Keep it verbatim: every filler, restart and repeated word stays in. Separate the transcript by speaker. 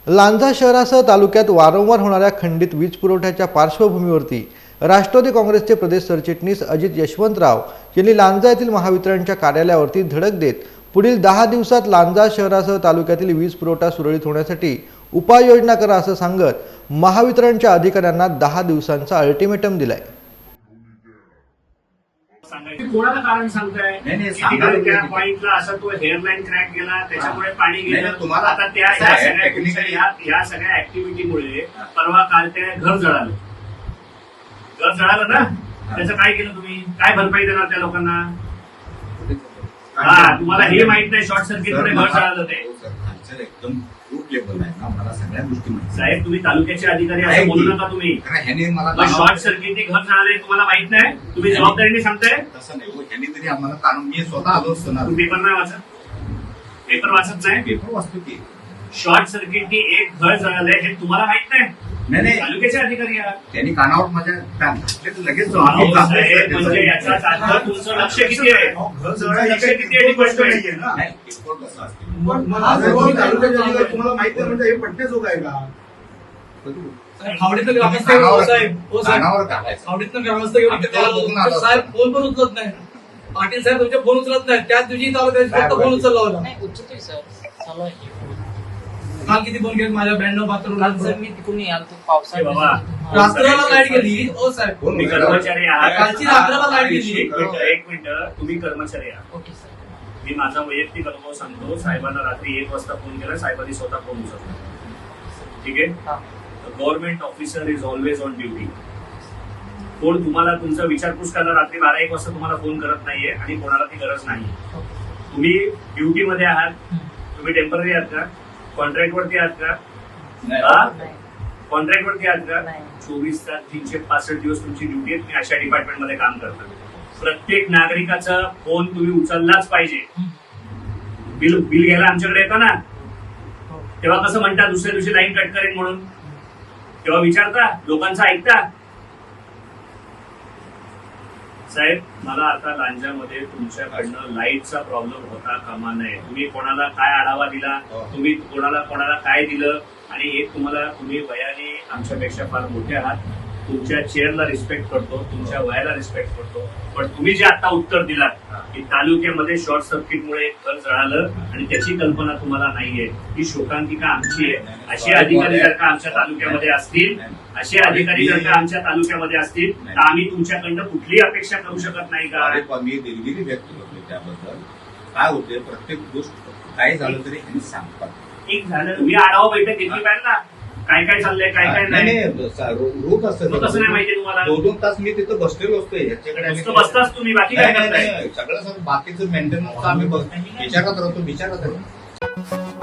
Speaker 1: लांजा शहरासह तालुक्यात वारंवार होणाऱ्या खंडित वीज पुरवठ्याच्या पार्श्वभूमीवरती राष्ट्रवादी काँग्रेसचे प्रदेश सरचिटणीस अजित यशवंतराव यांनी लांजा येथील महावितरणच्या कार्यालयावरती धडक देत पुढील दहा दिवसात लांजा शहरासह तालुक्यातील वीज पुरवठा सुरळीत होण्यासाठी उपाययोजना करा असं सांगत महावितरणच्या अधिकाऱ्यांना दहा दिवसांचा अल्टिमेटम दिलाय।
Speaker 2: कोणाला कारण सांगताय? त्या पॉइंटला असं तो हेअरलाईन क्रॅक गेला, त्याच्यामुळे पाणी गेलं तुम्हाला। आता त्या सगळ्या या सगळ्या ऍक्टिव्हिटीमुळे परवा काल ते घर जळालं घर जळालं ना, त्याचं काय केलं तुम्ही? काय भरपाई देणार त्या लोकांना? हा, तुम्हाला हे माहित नाही शॉर्ट सर्किटमुळे घर जळालं ते
Speaker 3: एकदम रूट लेवल आहे ना, मला सगळ्या गोष्टी माहिती।
Speaker 2: साहेब तुम्ही तालुक्याचे अधिकारी असं बोलू नका तुम्ही।
Speaker 3: ह्याने मला
Speaker 2: शॉर्ट सर्किटने घर जळाले तुम्हाला माहित नाही, तुम्ही जबाबदारीने सांगताय?
Speaker 3: तसं नाही, ह्याने तरी आम्हाला काढून मी स्वतः आलो असतो ना।
Speaker 2: तुम्ही पेपर नाही वाचत? पेपर वाचत नाही?
Speaker 3: पेपर वाचतो की
Speaker 2: शॉर्ट सर्किटने एक घर जळालंय हे तुम्हाला माहित नाही?
Speaker 3: नाही नाही,
Speaker 2: तालुक्याचे अधिकारी आहात,
Speaker 3: त्यांनी कानावर माझ्या लगेच
Speaker 2: म्हणजे याचा अर्थ तुमचं लक्ष किती आहे? लक्ष किती आहे गोष्ट नाहीये ना।
Speaker 4: तुम्हाला माहिती आहे म्हणजे हे पटण्याजोग आहे का?
Speaker 5: आवडीतलं ग्रामस्थ साहेब आवडीतलं ग्रामस्थ साहेब फोन पण उचलत नाही। पाटील साहेब तुमचे फोन उचलत नाही, त्याच दिवशी फक्त फोन उचलला होता। काल किती फोन केले माझ्या ब्याण्णव बाथरूम
Speaker 6: मी तिकडून आलो पावसाळ्यात
Speaker 5: रात्रीला लाईट गेली। ओ साहेब
Speaker 2: तुम्ही कर्मचारी आहात,
Speaker 5: कालची रात्रभर लाईट गेली।
Speaker 2: एक मिनिट, तुम्ही कर्मचारी आहात।
Speaker 6: ओके सर,
Speaker 2: मी माझा वैयक्तिक अनुभव सांगतो। साहेबांना रात्री एक वाजता फोन केला, साहेबांनी स्वतः फोन उचलला, ठीक आहे? Government officer is always on duty. कोण तुम्हाला तुमचा विचारपूस करायला रात्री बारा एक वाजता तुम्हाला फोन करत नाहीये आणि कोणाला ती गरज नाही। तुम्ही ड्युटी मध्ये आहात, तुम्ही टेम्पररी आहात का? कॉन्ट्रॅक्ट वरती आहात का? कॉन्ट्रॅक्ट वरती आहात का? चोवीस तास तीनशे पासष्ट दिवस तुमची ड्युटी आहे, तुम्ही अशा डिपार्टमेंट मध्ये काम करता। प्रत्येक नागरिकाचा फोन तुम्ही उचललाच पाहिजे। बिल बिल घ्यायला आमच्याकडे येतं ना, तेव्हा कसं म्हणता दुसऱ्या दिवशी लाईन कट करेन म्हणून? तेव्हा विचारता, लोकांचं ऐकता? साहेब, मला आता लांजामध्ये तुमच्याकडनं लाईटचा प्रॉब्लेम होता कामा नये। तुम्ही कोणाला काय आढावा दिला, तुम्ही कोणाला कोणाला काय दिलं, आणि एक तुम्हाला तुम्ही वयाने आमच्यापेक्षा फार मोठे आहात, तुमच्या चेअरला रिस्पेक्ट करतो, तुमच्या वयाला रिस्पेक्ट करतो, पण तुम्ही जे आता उत्तर दिलात की तालुक्यामध्ये शॉर्ट सर्किटमुळे एक घर जळालं आणि त्याची कल्पना तुम्हाला नाहीये, ही शोकांतिका आमची आहे। असे अधिकारी जर का आमच्या तालुक्यामध्ये असतील असे अधिकारी जर का आमच्या तालुक्यामध्ये असतील तर आम्ही तुमच्याकडनं कुठलीही अपेक्षा करू शकत नाही का?
Speaker 3: मी दिलगिरी व्यक्त करतो त्याबद्दल। काय होते, प्रत्येक गोष्ट काय झालं तरी ह्यांनी सांगतात।
Speaker 2: एक झालं, तुम्ही आढावा बैठक घेतली पाहिजे ना, काय काय चाललंय काय काय नाही।
Speaker 3: रोज असतं
Speaker 2: कसं नाही माहिती तुम्हाला?
Speaker 3: दोन दोन तास मी तिथं बसलेलो असतो ह्याच्याकडे
Speaker 2: बसताच तुम्ही, बाकी काय करताय?
Speaker 3: सगळं बाकीचं मेंटेनन्स आम्ही विचारत राहतो विचारत राहतो